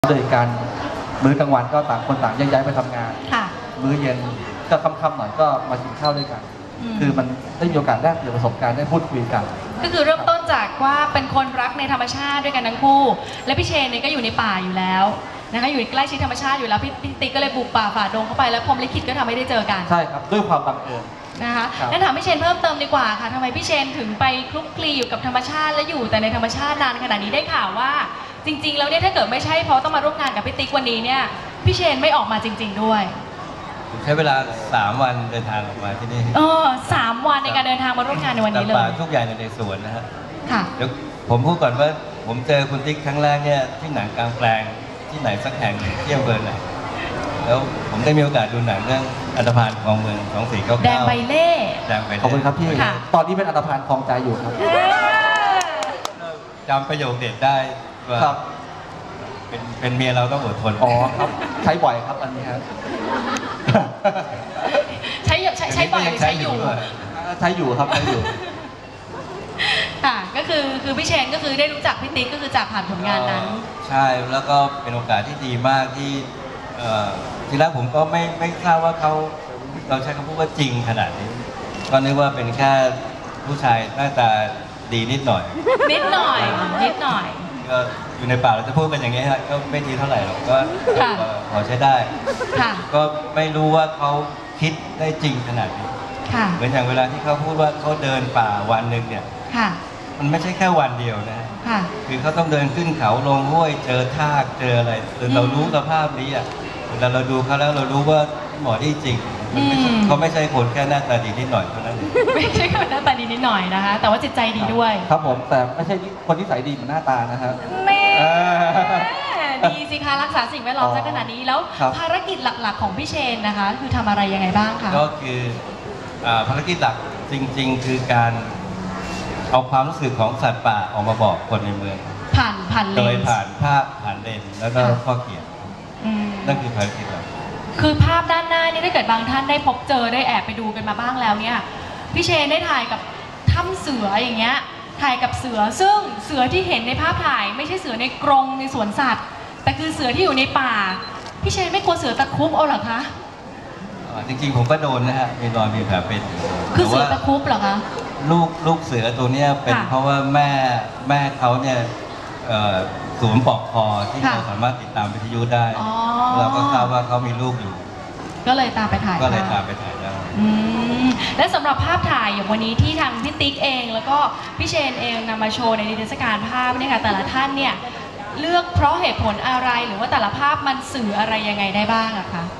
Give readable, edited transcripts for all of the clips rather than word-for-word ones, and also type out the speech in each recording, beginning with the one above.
โดยการมื้อกลางวันก็ต่างคนต่างแยกย้ายไปทำงานมื้อเย็นก็ค่ำๆหน่อยก็มากินข้าวด้วยกันคือมันได้มีโอกาสแลกเปลี่ยนประสบการณ์ได้พูดคุยกันก็คือเริ่มต้นจากว่าเป็นคนรักในธรรมชาติด้วยกันทั้งคู่และพี่เชนเนี่ยก็อยู่ในป่าอยู่แล้วนะคะอยู่ใกล้ชิดธรรมชาติอยู่แล้วพี่ติ๊กก็เลยบุกป่าฝ่าดงเข้าไปแล้วพรหมลิขิตก็ทำให้ได้เจอกันใช่ครับด้วยความบังเอิญนะคะงั้นถามพี่เชนเพิ่มเติมดีกว่าค่ะทำไมพี่เชนถึงไปคลุกคลีอยู่กับธรรมชาติและอยู่แต่ในธรรมชาตินานขนาดนี้ได้ข่าวว่าจริงๆแล้วเนี่ยถ้าเกิดไม่ใช่เพราะต้องมาร่วมงานกับพี่ติ๊กวันนี้เนี่ยพี่เชนไม่ออกมาจริงๆด้วยใช้เวลา3 วันเดินทางออกมาที่นี่ 3 วันในการเดินทางมาร่วมงานในวันนี้เลยทุกอย่างในสวนนะฮะค่ะเดี๋ยวผมพูดก่อนว่าผมเจอคุณติ๊กครั้งแรกเนี่ยที่หนังกลางแปลงที่ไหนสักแห่งที่อำเภอไหนแล้วผมได้มีโอกาสดูหนังเรื่องอันธพาลของเมือง2499 แดงใบเล่ขอบคุณครับพี่ตอนนี้เป็นอันธพาลคลองใจอยู่ครับจำประโยคเด็ดได้ว่าเป็นเมียเราต้องอดทนครับใช้บ่อยครับอันนี้ครับใช้บ่อยหรือใช้อยู่ใช้อยู่ครับใช้อยู่ค่ะก็คือพี่เชนก็คือได้รู้จักพี่ติ๊กก็คือจากผ่านผลงานนั้นใช่แล้วก็เป็นโอกาสที่ดีมากที่ทีแรกผมก็ไม่ทราบว่าเราใช้คำพูดว่าจริงขนาดนี้ก็นึกว่าเป็นแค่ผู้ชายหน้าตาดีนิดหน่อยก็อยู่ในป่าเราจะพูดกันอย่างนี้ฮะก็ไม่ดีเท่าไหร่หรอกก็พอใช้ได้ก็ไม่รู้ว่าเขาคิดได้จริงขนาดนี้เหมือนอย่างเวลาที่เขาพูดว่าเขาเดินป่าวันหนึ่งเนี่ยมันไม่ใช่แค่วันเดียวนะคือเขาต้องเดินขึ้นเขาลงห้วยเจอทากเจออะไรเรารู้สภาพนี้อ่ะเวลาเราดูเขาแล้วเรารู้ว่าหมอที่จริงเขาไม่ใช่คนแค่หน้าตาดีนิดหน่อยเท่านั้นเองไม่ใช่คนหน้าตาดีนิดหน่อยนะคะแต่ว่าจิตใจดีด้วยครับผมแต่ไม่ใช่คนที่ใส่ดีเหมือนหน้าตานะครับดีสิคะรักษาสิ่งแวดล้อมซะขนาดนี้แล้วภารกิจหลักๆของพี่เชนนะคะคือทำอะไรยังไงบ้างคะก็คือภารกิจหลักจริงๆคือการเอาความรู้สึกของสัตว์ป่าออกมาบอกคนในเมืองผ่านเลนโดยผ่านภาพผ่านเลนแล้วก็ข้อเขียนนั่นคือภารกิจหลักคือภาพด้านหน้านี่ถ้าเกิดบางท่านได้พบเจอได้แอบไปดูกันมาบ้างแล้วเนี่ยพี่เชนได้ถ่ายกับถ้ำเสืออย่างเงี้ยถ่ายกับเสือซึ่งเสือที่เห็นในภาพถ่ายไม่ใช่เสือในกรงในสวนสัตว์แต่คือเสือที่อยู่ในป่าพี่เชนไม่กลัวเสือตะคุบเอาหรอคะจริงๆผมก็โดนนะฮะมีรอยมีแผลเป็นคือเสือตะคุบเหรอคะลูกเสือตัวเนี้ยเป็นเพราะว่าแม่เขาเนี่ยศูนย์ปลอกคอที่เราสามารถติดตามวิทยุได้เราก็ทราบว่าเขามีลูกอยู่ก็เลยตามไปถ่ายได้และสำหรับภาพถ่ายอย่างวันนี้ที่ทางพี่ติ๊กเองแล้วก็พี่เชนเองนำมาโชว์ในนิทรรศการภาพเนี่ยค่ะแต่ละท่านเนี่ยเลือกเพราะเหตุผลอะไรหรือว่าแต่ละภาพมันสื่ออะไรยังไงได้บ้างอะคะ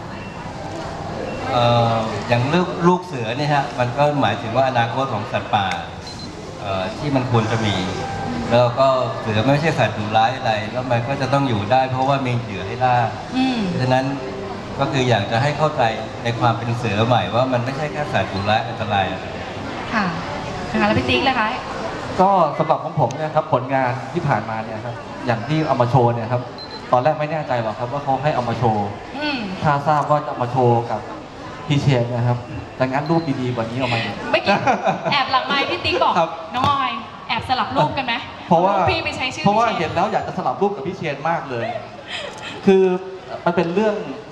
อย่างลูกเสือเนี่ยฮะมันก็หมายถึงว่าอนาคตของสัตว์ป่าที่มันควรจะมีแล้วก็เสือไม่ใช่สัตว์ดุร้ายอะไรแล้วมันก็จะต้องอยู่ได้เพราะว่ามีเหยื่อให้ล่าฉะนั้นก็คืออยากจะให้เข้าใจในความเป็นเสือใหม่ว่ามันไม่ใช่แค่สัตว์ดุร้ายอันตรายค่ะแล้วพี่ติ๊กเลยคะก็สำหรับของผมเนี่ยครับผลงานที่ผ่านมาเนี่ยครับอย่างที่เอามาโชว์เนี่ยครับตอนแรกไม่แน่ใจหรอกครับว่าเขาให้เอามาโชว์ถ้าทราบว่าจะมาโชว์กับพี่เชนนะครับดังนั้นรูปดีๆกว่านี้ออกมาเมื่อกี้แอบหลังไมค์พี่ติ๊กบอกน้องออยแอบสลับรูปกันไหมเพราะว่าพี่ไปใช้ชื่อเพราะว่าเห็นแล้วอยากจะสลับรูปกับพี่เชนมากเลยคือมันเป็นเรื่อง